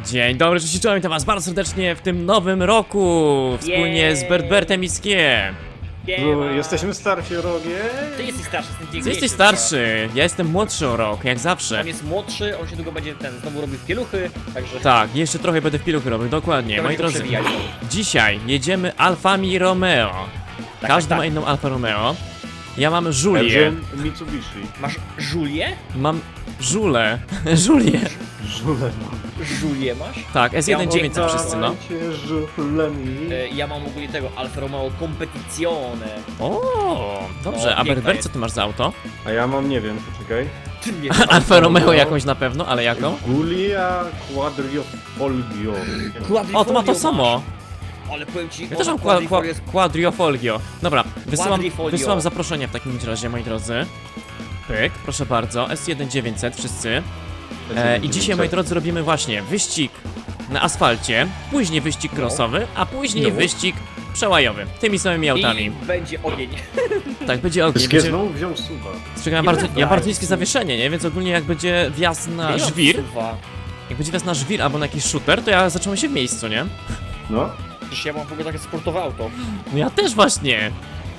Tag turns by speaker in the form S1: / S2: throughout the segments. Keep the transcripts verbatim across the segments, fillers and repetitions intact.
S1: Dzień dobry, cześć, czołem, witam was bardzo serdecznie w tym nowym roku, wspólnie
S2: Jej.
S1: z Bertbertem i Skiem.
S3: No, jesteśmy starsi o rogie.
S2: Ty jesteś starszy, jestem
S1: Ty
S2: dziękniejszy.
S1: jesteś starszy, ja jestem młodszy o rok, jak zawsze.
S2: On jest młodszy, on się długo będzie ten, znowu robił pieluchy, także...
S1: Tak, jeszcze trochę będę w piluchy robił, dokładnie.
S2: to
S1: Moi
S2: będzie
S1: drodzy,
S2: przewijać.
S1: dzisiaj jedziemy Alfami Romeo.
S2: Tak,
S1: Każdy
S2: tak,
S1: ma
S2: tak.
S1: inną Alfa Romeo. Ja mam
S3: Ja
S1: Julię,
S3: wziąłem Mitsubishi.
S2: Masz Julię?
S1: mam Żulę, Julię.
S3: Żule mam.
S2: Julię masz?
S1: Tak, S jeden dziewięćset wszyscy, no.
S3: Dawajcie żulemi.
S2: E, ja mam ogólnie tego Alfa Romeo Competizione.
S1: O, dobrze,
S2: No,
S1: a
S2: piękna
S1: Berbert,
S2: jest.
S1: co ty masz za auto?
S3: A ja mam, nie wiem, poczekaj.
S2: Ty nie
S1: Alfa Romeo jakąś na pewno, ale jaką?
S3: Gulia Quadriofolgio.
S1: O, to ma to samo.
S2: Ale powiem ci,
S1: Ja też mam
S2: ona
S1: qua, qua,
S2: quadrifolio jest...
S1: quadriofolgio. Dobra, wysyłam,
S2: Quadrifolio.
S1: wysyłam zaproszenia w takim razie, moi drodzy. Pyk, proszę bardzo, S jeden dziewięćset wszyscy. E, I dzisiaj, moi drodzy, robimy właśnie wyścig na asfalcie, później wyścig
S2: No.
S1: crossowy, a później
S2: No.
S1: wyścig przełajowy. Tymi samymi autami.
S2: I będzie ogień.
S1: Tak, będzie ogień.
S3: Skie
S1: Będzie,
S3: znowu wziął suba.
S1: czekam,
S2: Nie
S1: bardzo,
S2: wracaj,
S1: ja bardzo niskie
S2: słuchaj.
S1: zawieszenie, nie? Więc ogólnie jak będzie wjazd na
S2: Ja mam
S1: żwir,
S2: suwa.
S1: jak będzie wjazd na żwir albo na jakiś shooter, to ja zacząłem się w miejscu, nie?
S3: No.
S2: Przecież ja mam w ogóle takie sportowe auto.
S1: No ja też właśnie.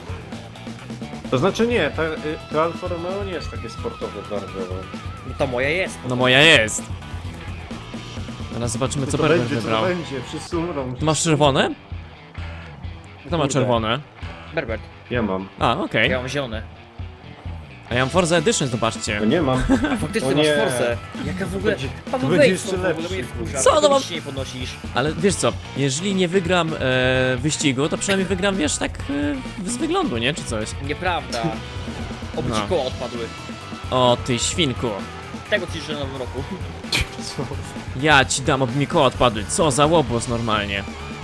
S3: To znaczy nie, ta, y, to Alfa Romeo nie jest takie sportowe bardzo.
S2: No to moja jest.
S1: No moja jest. Teraz zobaczymy, co
S3: to
S1: Berber
S3: będzie, co
S1: wybrał.
S3: to będzie, wszyscy umrą.
S1: Ty masz czerwone? Kto ma
S3: Kurde.
S1: czerwone?
S2: Berbert,
S3: Ja mam.
S1: A, okej.
S2: ja mam zielone.
S1: A ja mam Forza Edition, zobaczcie.
S3: No nie mam.
S2: A faktycznie
S3: O
S2: masz
S3: nie.
S2: Forsę. Jaka w ogóle...
S3: Będzie-
S2: Paweł,
S3: to będzie
S2: wejdź
S3: jeszcze
S2: w ogóle
S3: lepszy,
S2: mnie wkurza.
S1: Co, no mam-
S2: Nic nie podnosisz.
S1: Ale wiesz co, jeżeli nie wygram e, wyścigu, to przynajmniej wygram, wiesz, tak e, z wyglądu, nie? Czy coś.
S2: Nieprawda. Oby ci
S1: No.
S2: koła odpadły.
S1: O, ty świnku.
S2: Tego ci życzę na nowym roku.
S3: Co?
S1: Ja ci dam, aby mi koła odpadły. Co za łobuz normalnie.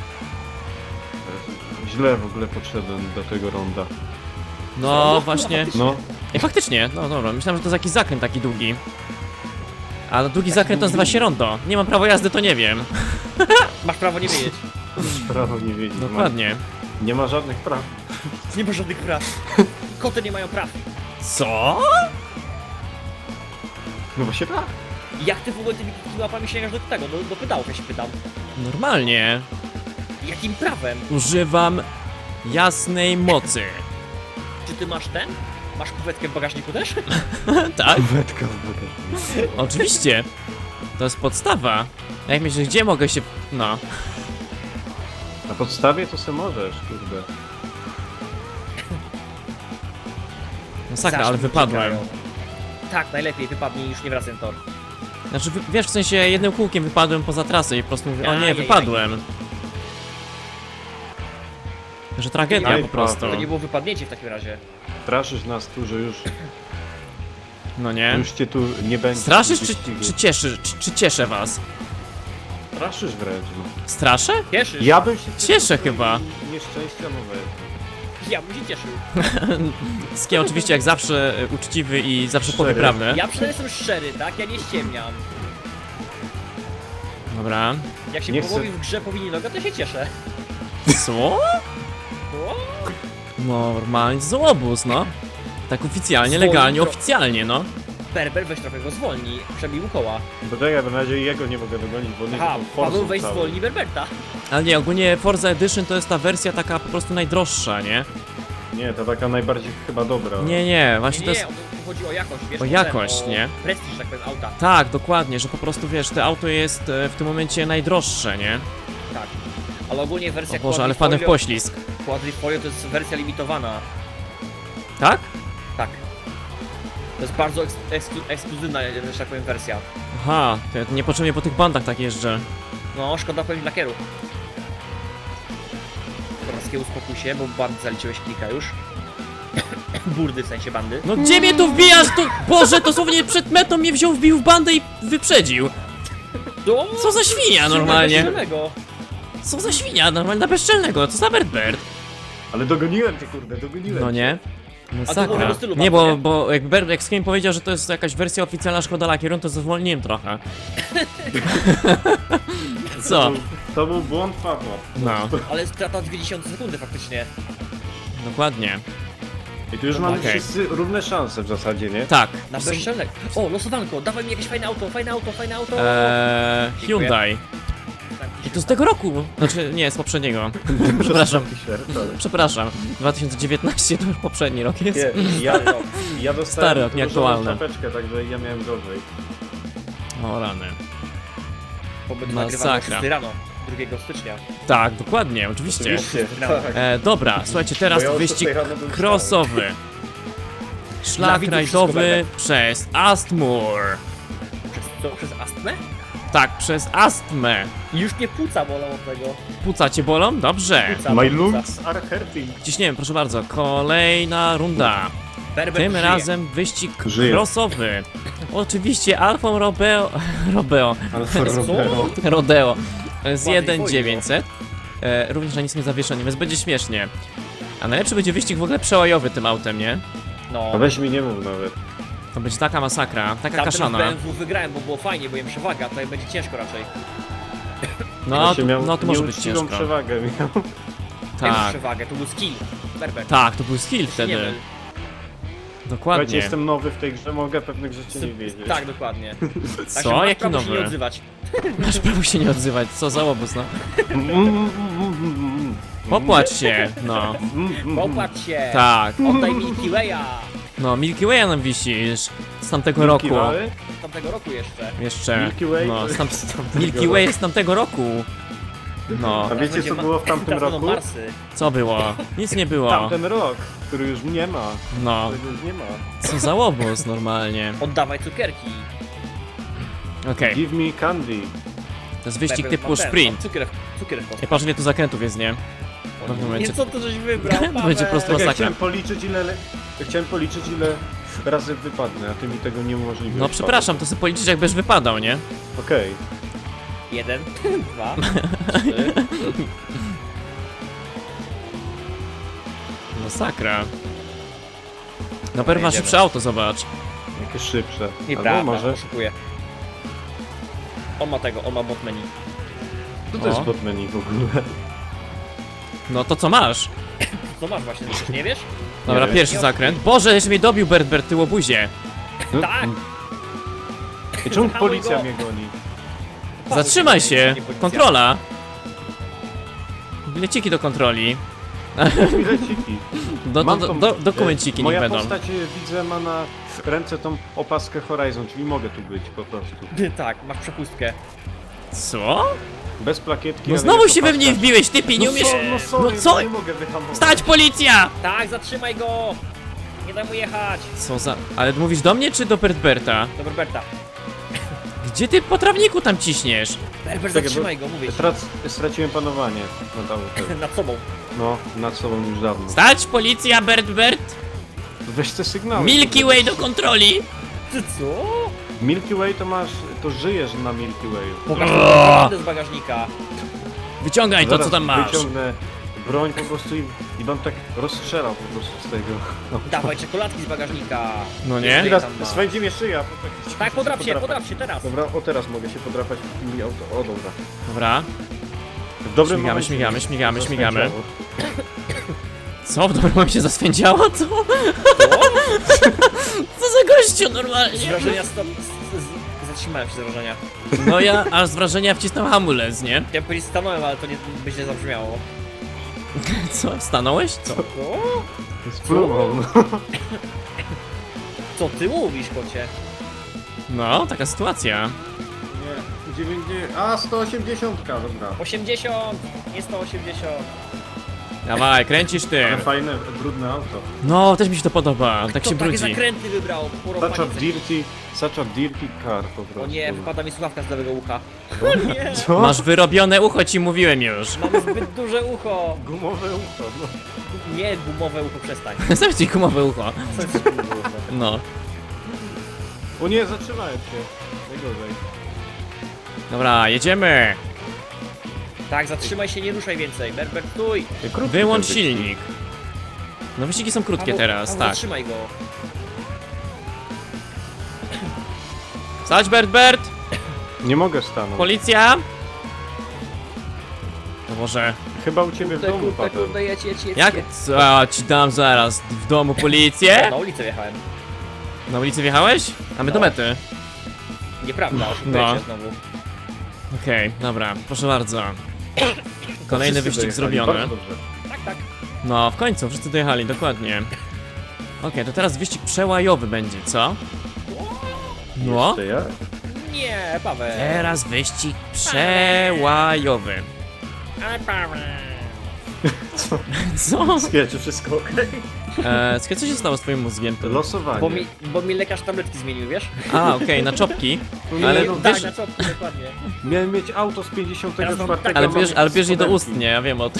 S3: Źle w ogóle podszedłem do tego ronda.
S1: No, właśnie.
S3: No.
S1: Ej, faktycznie, no dobra, myślałem, że to jest jakiś zakręt taki długi. A długi zakręt to nazywa się rondo. Nie mam prawa jazdy, to nie wiem.
S2: Masz prawo nie wiedzieć.
S3: Prawo nie wiedzieć.
S1: Dokładnie.
S3: Nie ma żadnych praw.
S2: Nie ma żadnych praw. Koty nie mają praw.
S1: Co?
S3: No właśnie tak.
S2: Jak ty w ogóle tymi łapami sięgasz do tego, do, do pedałów, ja się pytam.
S1: Normalnie.
S2: Jakim prawem?
S1: Używam jasnej mocy.
S2: Czy ty masz ten? Masz kuwetkę w bagażniku też?
S1: Tak?
S3: Wetka w bagażniku.
S1: Oczywiście. To jest podstawa. Jak myślisz, gdzie mogę się... No.
S3: Na podstawie to se możesz, kurde.
S1: Masakra, ale
S2: Zaszli
S1: wypadłem.
S2: uciekają. Tak, najlepiej wypadnij i już nie wracaj na tor.
S1: Znaczy, wy- wiesz, w sensie jednym kółkiem wypadłem poza trasę i po prostu mówię, o nie,
S2: Ajajaj.
S1: wypadłem. Że tragedia
S3: Aj,
S1: po prostu.
S2: To nie było wypadnięcie w takim razie.
S3: Straszysz nas tu, że już,
S1: No nie?
S3: już cię tu nie będzie.
S1: Straszysz czy,
S3: wyścigu.
S1: czy cieszy, czy, czy cieszę was?
S3: Straszysz wręcz, no.
S1: Straszę?
S2: Cieszysz?
S3: Ja bym się
S1: Cieszę chyba.
S3: Nieszczęścia nowego.
S2: Ja bym się cieszył.
S1: Skie oczywiście jak zawsze e, uczciwy i zawsze powie
S3: Szczery.
S1: prawdę.
S2: Ja przynajmniej jestem szczery, tak? Ja nie ściemniam.
S1: Dobra.
S2: Jak się
S3: Nie chcę-
S2: połowi w grze powinni noga, to się cieszę.
S1: Co?
S2: O,
S1: Normalnie złobóz, no. Tak oficjalnie,
S2: Zwolnij
S1: legalnie,
S2: tro-
S1: oficjalnie, no.
S2: Berber, weź trochę go zwolnij. Przebij mu koła.
S3: Bo tak, ja na razie jego nie mogę dogonić, bo nie
S2: Aha,
S3: mam forsą
S2: Paweł, weź
S3: całą.
S2: zwolnij Berberta.
S1: Ale nie, ogólnie Forza Edition to jest ta wersja taka po prostu najdroższa, nie?
S3: Nie, to taka najbardziej chyba dobra.
S1: Nie, nie, właśnie
S2: Nie,
S1: to
S2: nie,
S1: jest...
S2: tu chodzi o jakość, wiesz?
S1: O
S2: ten,
S1: jakość,
S2: o
S1: nie?
S2: Prestiż, że tak powiem, auta.
S1: Tak, dokładnie, że po prostu wiesz, to auto jest e, w tym momencie najdroższe, nie?
S2: Tak. Ale ogólnie wersja
S1: O Boże, ale wpadłem w
S2: Quadrifolio-
S1: poślizg.
S2: Quadrifolio to jest wersja limitowana.
S1: Tak?
S2: Tak. To jest bardzo eks eksklu ekskluzywna, że tak powiem, wersja.
S1: Aha, to ja niepotrzebnie po tych bandach tak jeżdżę.
S2: No, szkoda powiem lakieru. Dobra, uspokój się, bo bandy zaliczyłeś kilka już. Burdy, w sensie bandy.
S1: No gdzie mnie tu wbijasz? To... Boże, dosłownie przed metą mnie wziął, wbił w bandę i wyprzedził.
S2: Do...
S1: Co za świnia normalnie?
S2: Bezczelnego.
S1: Co za świnia normalnie na bezczelnego, co za Bertbert?
S3: Ale dogoniłem cię, kurde, dogoniłem
S1: No
S3: cię.
S1: nie?
S2: A to było
S1: Masakra.
S2: do stylu
S1: Nie,
S2: bardzo,
S1: bo,
S2: nie?
S1: bo jak Bert, jak Skim powiedział, że to jest jakaś wersja oficjalna Szkoda Lakierun, to zwolniłem trochę. Co?
S3: To był, to był błąd Pawła.
S1: No,
S2: Ale strata dwie dziesiąte sekundy faktycznie.
S1: dokładnie.
S3: I tu już mamy
S1: Okej.
S3: wszyscy równe szanse w zasadzie, nie?
S1: Tak.
S2: Na
S1: Są-
S2: bezczelnek. O, losowanko, dawaj mi jakieś fajne auto, fajne auto, fajne auto.
S1: Eee,
S2: Dziękuję.
S1: Hyundai. I to z tego roku. Znaczy, nie, z poprzedniego. Przepraszam. Przepraszam. dwa tysiące dziewiętnasty to już poprzedni rok jest.
S3: Nie, ja, ja dostałem
S1: Stary,
S3: różową
S1: nieaktualny.
S3: czapeczkę, także ja miałem gorzej.
S1: O rany.
S2: Pobyt
S1: Masakra.
S2: nagrywany szóstej rano, drugiego stycznia.
S1: Tak, dokładnie, oczywiście.
S3: Oczywiście,
S2: No.
S3: tak.
S1: E, dobra, słuchajcie, teraz
S3: Bo ja o
S1: wyścig
S3: szóstej rano byłem
S1: crossowy. Szlak
S2: widzów
S1: rajdowy
S2: wszystko
S1: przez Astmur.
S2: Przez co? Przez astmę?
S1: Tak, przez astmę.
S2: Już nie płuca bolą od tego.
S1: Płuca cię bolą? Dobrze.
S2: Płuca,
S3: My
S2: płuca.
S3: lungs are hurting.
S1: Ciśniemy, proszę bardzo. Kolejna runda.
S2: Berber
S1: Tym
S2: żyje.
S1: razem wyścig
S3: Żyje.
S1: crossowy. Oczywiście Alfa Romeo, Romeo,
S3: Alfa Romeo.
S1: Rodeo z
S2: Ładnie
S1: jeden dziewięćset. E, również na nic nie zawieszony, więc będzie śmiesznie. A najlepszy będzie wyścig w ogóle przełajowy tym autem, nie?
S2: No.
S3: A weź mi nie mów nawet.
S1: To będzie taka masakra, taka
S2: Tamten w
S1: kaszana.
S2: B M W wygrałem, bo było fajnie, bo jem przewaga, tutaj będzie ciężko raczej.
S1: No,
S3: Właśnie
S1: to,
S3: miał
S1: no to może być
S3: nieuczciwą
S1: ciężko.
S3: przewagę miał.
S2: Tak.
S1: Tak,
S2: przewagę, to był skill. Berber.
S1: tak, to był skill
S2: Nie
S1: wtedy.
S2: myl.
S3: Słuchajcie,
S1: Dokładnie.
S3: jestem nowy w tej grze, mogę pewnych rzeczy nie wiedzieć.
S2: Tak, dokładnie. Także
S1: Co?
S2: masz
S1: Jaki
S2: prawo się nie
S1: nowy?
S2: odzywać.
S1: Masz prawo się nie odzywać, co za łobuz, no.
S3: Mm, mm, mm, mm, mm.
S1: Popłacz się, no.
S3: Mm, mm,
S2: Popatrz się!
S1: Tak,
S2: Oddaj Milky Way'a!
S1: no Milky Way'a nam wisisz z tamtego
S3: Milky
S1: roku.
S3: Way?
S2: Z tamtego roku jeszcze.
S1: Jeszcze.
S3: Milky Way?
S1: No, z tam,
S3: Z tamtego
S1: Milky
S3: roku.
S1: Way jest z tamtego roku. No,
S3: A wiecie co było w tamtym
S2: Teraz będą
S3: roku?
S2: Marsy.
S1: co było? Nic nie było.
S3: Tamten rok, który już nie ma.
S1: No,
S3: Którego już nie ma.
S1: co za łobuz normalnie.
S2: Oddawaj cukierki.
S1: Okej,
S3: Give me candy.
S1: to jest wyścig
S2: Berber,
S1: typu
S2: mam ten,
S1: sprint.
S2: mam Cukier, cukier w
S1: Ja patrzę ile tu zakrętów jest, nie?
S2: O
S1: w tym
S2: nie,
S1: momencie-
S2: co to żeś wybrał,
S1: To będzie po prostu
S2: Paweł?
S3: Tak, ja
S1: masakra.
S3: chciałem policzyć ile... le- Ja chciałem policzyć ile razy wypadnę, a ty mi tego nie umożliwiłeś.
S1: No przepraszam, to sobie policzyć jakbyś wypadał, nie?
S3: Okej.
S2: Jeden, dwa, trzy.
S1: Masakra. No pewno ma
S2: jedziemy.
S1: szybsze auto, zobacz.
S3: Jakieś szybsze.
S2: Nieprawda,
S3: Albo może...
S2: oszukuję. On ma tego, on ma bot menu.
S3: Co to jest
S1: O.
S3: bot menu w ogóle?
S1: No to co masz?
S2: Co masz właśnie, ty też nie wiesz?
S1: Dobra,
S3: wiem.
S1: pierwszy zakręt. Boże, jeszcze mnie dobił Bert Bert tyłobuzie.
S3: No,
S2: Tak!
S3: I czemu
S2: Zahamuj
S3: policja
S2: go.
S3: mnie goni?
S1: Zatrzymaj się!
S2: Nie policja.
S1: Kontrola! Bileciki do kontroli.
S3: Bileciki.
S1: Do, do,
S3: Mam
S1: do,
S3: tą-
S1: do, dokumenciki niech
S3: Moja
S1: będą.
S3: postać, e, widzę, ma na ręce tą opaskę Horizon, czyli mogę tu być po prostu.
S2: Tak, masz przepustkę.
S1: Co?
S3: Bez plakietki,
S1: No
S3: ale
S1: znowu
S3: jest
S1: się we
S3: opaska.
S1: mnie wbiłeś, typie, nie
S3: No,
S1: umiesz...
S3: so, no sorry,
S1: No co?
S3: nie mogę wyhamować.
S1: Stać, policja!
S2: Tak, zatrzymaj go! Nie daj mu jechać!
S1: Co za... Ale mówisz do mnie czy do Bert Berta?
S2: Do Berberta.
S1: Gdzie ty po trawniku tam ciśniesz?
S2: Berber,
S3: Czekaj,
S2: zatrzymaj go, mówię ci.
S3: Trac, straciłem panowanie nad autem.
S2: Nad sobą.
S3: No, nad sobą już dawno.
S1: Stać, policja, Bert Bert!
S3: Weź te sygnały.
S1: Milky Way do kontroli!
S2: Ty co?
S3: Milky Way to masz, to żyjesz na Milky Wayu.
S2: Pokaż mi naprawdę z bagażnika.
S1: Wyciągaj to,
S3: Zaraz
S1: co tam masz.
S3: wyciągnę broń po prostu i, i bym tak rozstrzelał po prostu z tego. No.
S2: Dawaj czekoladki z bagażnika.
S1: No nie?
S2: Ile
S3: Teraz
S2: tam ma?
S3: swędzi mnie szyja. bo tak-
S2: Tak, podrap się,
S3: podrapać.
S2: podrap się teraz.
S3: Dobra, o teraz mogę się podrapać mi auto. O dobra.
S1: Dobra.
S3: W dobrym
S1: Śmigamy,
S3: momencie
S1: śmigamy,
S3: mi
S1: śmigamy, śmigamy.
S3: zaswędziało.
S1: Co? W dobrym momencie zaswędziało? Co? Co za gościu
S2: Z
S1: normalnie?
S2: wrażenia stop... z- z- Zatrzymałem się z wrażenia.
S1: No ja aż z wrażenia wcisnął hamulec, nie?
S2: Chciałem powiedzieć stanąłem, ale to nie by źle zabrzmiało.
S1: Co? Stanąłeś? Co?
S2: Co?
S3: Spluwał, no.
S2: Co ty mówisz, kocie?
S1: No, taka sytuacja.
S3: Nie, dziewięćdziesiąt... A, sto osiemdziesiąt, dobra.
S2: osiemdziesiąt, nie sto osiemdziesiąt.
S1: Dawaj, kręcisz ty.
S3: Ale fajne, brudne auto.
S1: No, też mi się to podoba, tak
S2: Kto
S1: się
S2: takie
S1: brudzi.
S2: zakręty wybrał?
S3: Such a
S2: Porąbaniec.
S3: dirty, such a dirty car po prostu.
S2: O nie, wypada mi słuchawka z lewego ucha. O nie,
S3: Co?
S1: Masz wyrobione ucho, ci mówiłem już.
S2: mam zbyt duże ucho.
S3: Gumowe ucho, no.
S2: Nie, gumowe ucho, przestań.
S1: Sam ci gumowe ucho.
S2: Co jest gumowe?
S1: No.
S3: O nie, zatrzymałem się. Najgorzej.
S1: Dobra, jedziemy.
S2: Tak, zatrzymaj się, nie ruszaj więcej. Berber, stój.
S3: Krótki
S1: Wyłącz
S3: ten wyścig.
S1: silnik. No wyścigi są krótkie
S2: Paweł,
S1: teraz,
S2: Paweł,
S1: tak.
S2: Zatrzymaj go.
S1: Stać, Bert Bert!
S3: Nie mogę stanąć.
S1: Policja! To może...
S3: Chyba u ciebie w
S2: Kurde,
S3: domu,
S2: kurde,
S3: Paweł.
S2: kurde, jedź, jedź, jedź.
S1: Jak?
S2: jedź.
S1: Co ci dam zaraz? W domu policję?
S2: Na ulicę wjechałem.
S1: Na ulicy wjechałeś? A my do
S2: No.
S1: mety.
S2: Nieprawda,
S1: No.
S2: oszukujecie znowu.
S1: Okej, dobra, proszę bardzo. Kolejny
S3: Wszyscy
S1: wyścig
S3: dojechali,
S1: zrobiony.
S3: bardzo dobrze.
S2: Tak, tak.
S1: No, w końcu, wszyscy dojechali, dokładnie. Okej, to teraz wyścig przełajowy będzie, co? No.
S3: Jeszcze ja?
S2: Nie, Paweł.
S1: Teraz wyścig przełajowy.
S2: Ale Paweł.
S1: Co?
S3: Słuchaj, czy wszystko okej?
S1: Eee, słuchaj, co się stało z twoim mózgiem?
S3: Losowanie.
S2: Bo mi, bo mi lekarz tabletki zmienił, wiesz?
S1: A, okej, na czopki.
S3: Nie,
S1: Ale
S3: no,
S1: wiesz,
S2: Tak, na czopki, dokładnie.
S3: Miałem mieć auto z pięćdziesiątego
S2: Teraz mam
S3: czwartego.
S2: tak-
S1: ale
S2: mam
S1: bierz, ale bierz je do ust,
S3: spodenki.
S1: nie, ja wiem o tym.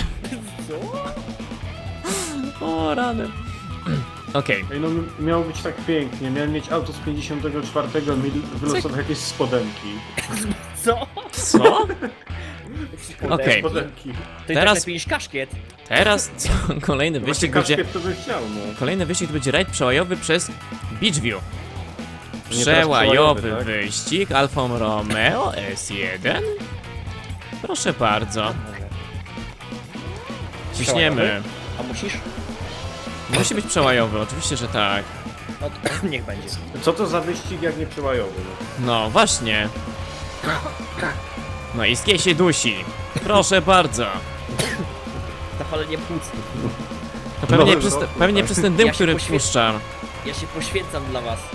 S2: Co?
S1: O, rany. Okej,
S3: Ej, no miało być tak pięknie. Miałem mieć auto z pięćdziesiątego czwartego, mi wylosował jakieś spodenki.
S2: Co?
S1: co? Okej.
S3: Spodenki.
S2: To i
S1: Teraz-
S2: tak lepiej niż kaszkiet.
S1: Teraz co? Kolejny
S3: Właśnie
S1: wyścig będzie...
S3: kaszkiet to bym chciał, no.
S1: Kolejny wyścig to będzie rajd przełajowy przez Beachview.
S3: Nie, teraz
S1: Przełajowy
S3: przełajowy, tak?
S1: wyścig Alfa Romeo S jeden. Proszę bardzo.
S2: Może.
S1: Ciśniemy.
S2: A musisz?
S1: Musi być przełajowy, oczywiście, że tak.
S2: No to niech będzie.
S3: Co to za wyścig jak nie przełajowy? No?
S1: No, właśnie. No i skie się dusi. Proszę bardzo.
S2: Zapalenie płuc.
S1: To pewnie,
S3: Nowy
S1: przez,
S3: rok,
S1: pewnie
S3: tak.
S1: przez ten dym,
S2: Ja się
S1: który
S2: poświę-
S1: wpuszczam.
S2: Ja się poświęcam dla was.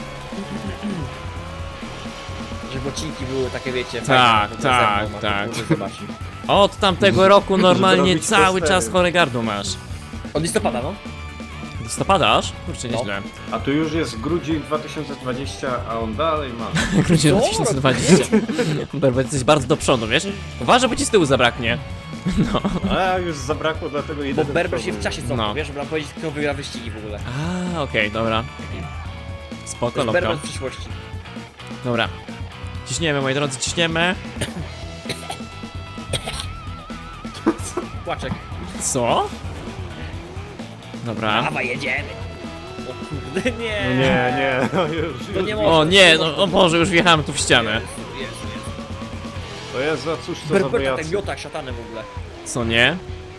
S2: Żeby odcinki były takie, wiecie,
S1: Tak,
S2: fajne,
S1: tak,
S2: ze mną, a
S1: tak.
S2: to może zobaczyć.
S1: Od tamtego roku normalnie
S3: zrobić
S1: cały
S3: postery.
S1: czas chore gardło masz.
S2: Od listopada, no?
S1: Listopadasz? Kurczę,
S2: No.
S1: nieźle.
S3: A tu już jest grudzień dwa tysiące dwudziesty, a on dalej ma.
S1: Grudzień
S2: Co?
S1: dwa tysiące dwudziesty. Berber, jesteś bardzo do przodu, wiesz? Uważaj, bo ci z tyłu zabraknie.
S3: A już zabrakło, dlatego
S2: Bo
S3: jeden
S2: Berber
S3: do
S2: się w
S3: przodu.
S2: czasie cofnął,
S1: No.
S2: wiesz, żeby nam powiedzieć, kto wygra wyścigi w ogóle.
S1: A, okej, dobra.
S2: To
S1: Spoko,
S2: jest
S1: loko.
S2: Berber w przyszłości.
S1: Dobra. Ciśniemy, moi drodzy, ciśniemy.
S2: Płaczek.
S1: Co? Dobra.
S2: Dawaj, jedziemy. O kurde, nie.
S3: No nie, nie, no już,
S2: To
S3: już
S2: nie
S3: widzę.
S1: O nie, no o Boże, już wjechałem tu w ścianę.
S2: Jezu, Jezu, Jezu.
S3: To jest za cóż to za
S2: Berber tak
S3: bojacy.
S2: miota jak szatany w ogóle.
S1: Co nie?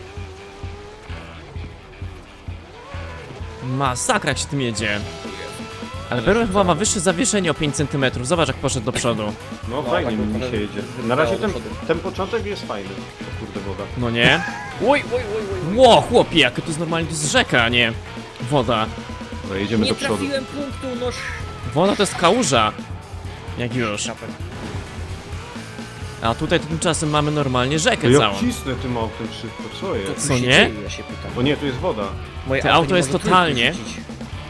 S1: Masakra jak się tym jedzie. Ale Berber chyba ma wyższe zawieszenie o pięć centymetrów. Zobacz jak poszedł do przodu.
S3: No
S2: No,
S3: fajnie
S2: tak,
S3: mi
S2: trochę
S3: się jedzie.
S2: wybrało
S3: Na razie
S2: do
S3: ten,
S2: przodu.
S3: ten początek jest fajny. O kurde woda.
S1: No nie?
S2: Oj, oj, oj, oj.
S1: Ło, chłopie, jak to jest normalnie, to jest rzeka, a nie woda.
S3: No jedziemy
S2: Nie
S3: do przodu.
S2: trafiłem punktu, noż.
S1: Woda to jest kałuża. Jak już.
S2: Szapek.
S1: A tutaj tymczasem mamy normalnie
S3: To
S1: rzekę
S3: ja
S1: całą.
S3: cisnę tym autem szybko, co
S2: Co
S3: jest?
S2: tu
S1: Co
S2: się
S1: nie?
S2: dzieje, ja się pytam.
S3: O nie, tu jest woda.
S2: Moje
S1: Te auto
S2: nie
S1: jest
S2: może
S1: totalnie-
S2: trójki rzucić.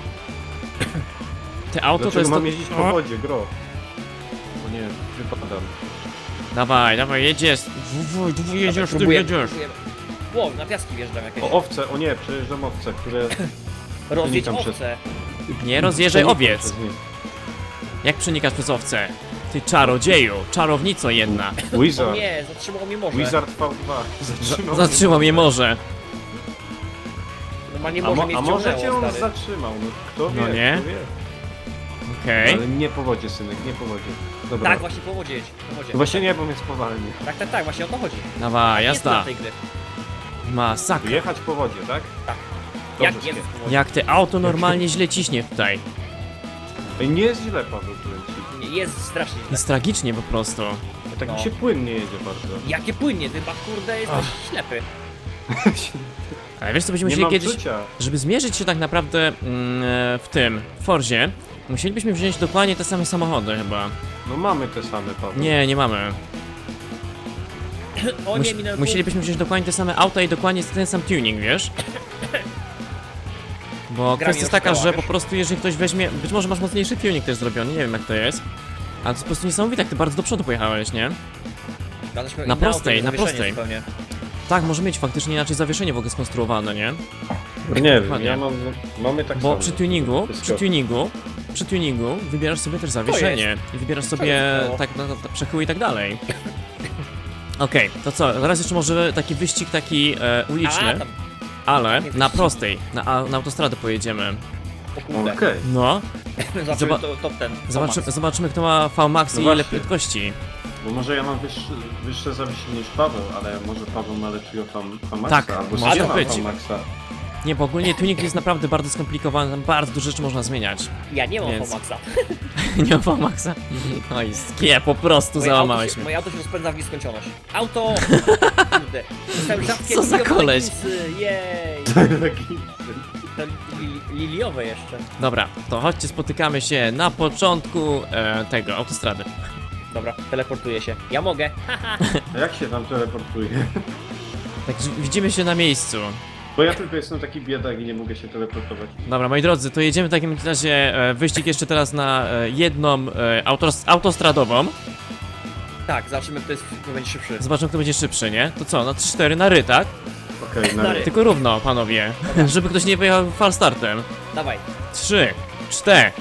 S1: Te auto
S3: Dlaczego
S1: to jest
S3: mam
S1: to...
S3: jeździć po
S1: O,
S3: wodzie, gro? O nie, wypadam.
S1: dawaj, dawaj, jedziesz. Wuj, wuj, jedziesz, ty
S2: Próbujemy,
S1: jedziesz.
S2: próbujemy. Ło, na piaski wjeżdżam jakieś.
S3: O, owce, o nie, przejeżdżam owce, które...
S2: Rozjedź
S3: Przenikam przez-
S2: owce.
S1: Nie rozjeżdżaj
S3: przenikam
S1: owiec.
S3: przez nie.
S1: Jak przenikasz przez owce? Ty czarodzieju, czarownico jedna.
S2: O
S3: Wizard.
S2: nie, zatrzymał mnie morze.
S3: Wizard V dwa. Zatrzymał.
S1: Zatrzymał mnie morze.
S2: Normalnie
S3: A,
S2: morze
S3: mo
S2: mnie
S3: a może cię on
S2: stary.
S3: zatrzymał, no kto wie,
S1: No nie?
S3: kto wie.
S1: Okej.
S3: Ale nie po wodzie, synek, nie po wodzie. Dobra.
S2: Tak, właśnie po wodzie jedź, po wodzie.
S3: No właśnie nie, bo mnie spowalni.
S2: Tak, tak, tak, właśnie o to chodzi.
S1: Dawaj,
S2: Jest na
S1: jazda.
S2: tej gry.
S1: Masakra.
S3: Jechać po wodzie, tak?
S2: Tak.
S3: Dobrze,
S2: Jak Jezus
S3: Skie.
S2: po wodzie.
S1: Jak te auto normalnie źle ciśnie tutaj.
S3: Ej, nie jest źle, Paweł, kręci.
S2: Nie, jest strasznie źle.
S1: Jest tragicznie po prostu.
S3: Tak
S2: No.
S3: mi się płynnie jedzie bardzo.
S2: Jakie płynie, ty chyba kurde jesteś ślepy.
S1: Ale wiesz co, będziemy
S3: Nie
S1: musieli
S3: mam
S1: kiedyś...
S3: czucia.
S1: Żeby zmierzyć się tak naprawdę mm, e, w tym, w Forzie, musielibyśmy wziąć dokładnie te same samochody chyba.
S3: No mamy te same, Paweł.
S1: Nie, nie mamy.
S2: O
S1: Mus
S2: nie, minęły
S1: musielibyśmy wziąć dokładnie te same auta i dokładnie ten sam tuning, wiesz? Bo
S2: Gra
S1: kwestia
S2: mi
S1: jest taka,
S2: oszukała,
S1: że
S2: wiesz?
S1: po prostu jeżeli ktoś weźmie, być może masz mocniejszy tuning też zrobiony, nie wiem jak to jest. Ale to jest po prostu niesamowite, jak ty bardzo do przodu pojechałeś, nie?
S2: punktów.
S1: na prostej, na prostej.
S2: Zupełnie.
S1: Tak, może mieć faktycznie inaczej zawieszenie w ogóle skonstruowane, nie?
S3: Nie wiem,
S1: Dokładnie.
S3: ja mam, mamy tak
S1: Bo
S3: samo.
S1: przy tuningu,
S3: Wszystko.
S1: przy tuningu, przy tuningu wybierasz sobie też zawieszenie i wybierasz sobie
S2: jest to?
S1: tak, no, no, przechyły i tak dalej. Okej, to co, teraz jeszcze może taki wyścig taki e,
S2: A,
S1: uliczny,
S2: tam,
S1: ale
S2: nie
S1: na
S2: wyścigi.
S1: prostej, na, a- na autostradę pojedziemy.
S2: o kurde.
S3: Okej.
S1: No,
S2: Zobaczymy
S1: Zoba-
S2: to, top ten.
S1: Zobaczy, zobaczymy, kto ma V-Max
S3: No
S1: i ile
S3: właśnie.
S1: prędkości.
S3: Bo może ja mam wyższe, wyższe zawieszenie niż Paweł, ale może Paweł ma lepszego Fam- Famaxa,
S1: Tak,
S3: albo
S1: może
S3: nie ma
S1: być.
S3: Famaxa.
S1: Nie, bo ogólnie tuning jest naprawdę bardzo skomplikowany, tam bardzo dużo rzeczy można zmieniać.
S2: Ja nie mam
S1: Więc-
S2: V-Maxa.
S1: Nie ma V-Maxa. Oj, skie, po prostu
S2: Moje auto,
S1: załamałeś
S2: się,
S1: mnie.
S2: moje auto się rozpędza w nieskończoność. Auto! Kurde. Dostałem rzadkie
S1: Co za
S2: liliowe
S1: koleś?
S2: leginsy, jej!
S3: Taki-
S2: Te li, liliowe jeszcze.
S1: Dobra, to chodźcie, spotykamy się na początku e, tego, autostrady.
S2: Dobra, teleportuję się. Ja mogę.
S3: A jak się tam teleportuje?
S1: Tak, że widzimy się na miejscu.
S3: Bo ja tylko jestem taki biedak i nie mogę się teleportować.
S1: Dobra, moi drodzy, to jedziemy w takim razie e, wyścig jeszcze teraz na e, jedną e, autos autostradową.
S2: Tak, zobaczymy kto, jest, kto będzie szybszy.
S1: Zobaczymy, kto będzie szybszy, nie? To co, na trzy cztery na ry, tak?
S3: Okej, na
S2: Stary.
S3: ry.
S1: Tylko równo, panowie. Żeby ktoś nie wyjechał falstartem.
S2: Dawaj.
S1: trzy, cztery.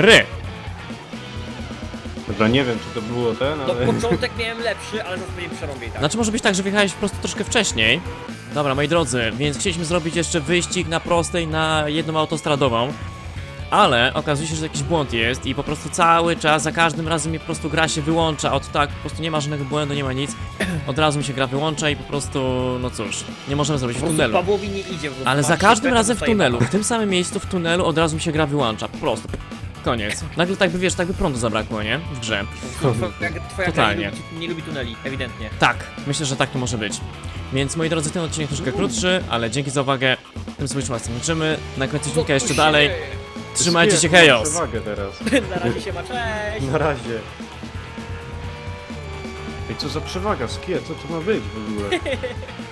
S3: Dobra, nie wiem czy to było ten,
S2: No
S3: ale...
S2: początek miałem lepszy, ale zaraz będzie przerąbiej, tak.
S1: Znaczy może być tak, że wyjechałeś po prostu troszkę wcześniej. Dobra, moi drodzy, więc chcieliśmy zrobić jeszcze wyścig na prostej, na jedną autostradową. Ale okazuje się, że jakiś błąd jest i po prostu cały czas, za każdym razem mi po prostu gra się wyłącza od tak, po prostu nie ma żadnego błędu, nie ma nic. Od razu mi się gra wyłącza i po prostu, no cóż, nie możemy zrobić w
S2: Po prostu
S1: tunelu.
S2: Pawłowi nie idzie. bo
S1: Ale
S2: ma
S1: za każdym
S2: szybę,
S1: razem w
S2: dostaje
S1: tunelu,
S2: bana.
S1: w tym samym miejscu w tunelu od razu mi się gra wyłącza, po prostu. Koniec. Nagle tak by, wiesz, tak by prądu zabrakło, nie? W grze.
S2: Twoja, twoja gra
S1: Totalnie.
S2: nie lubi, nie lubi tuneli, ewidentnie.
S1: Tak, myślę, że tak to może być. Więc moi drodzy, ten odcinek troszkę krótszy, ale dzięki za uwagę. Tym sobie was kończymy. Na końcu odcinka jeszcze dalej. Trzymajcie się, hejos!
S3: Przewagę teraz.
S2: Na razie się ma, cześć!
S3: Na razie. Ej, co za przewaga, skie, co to ma być w ogóle?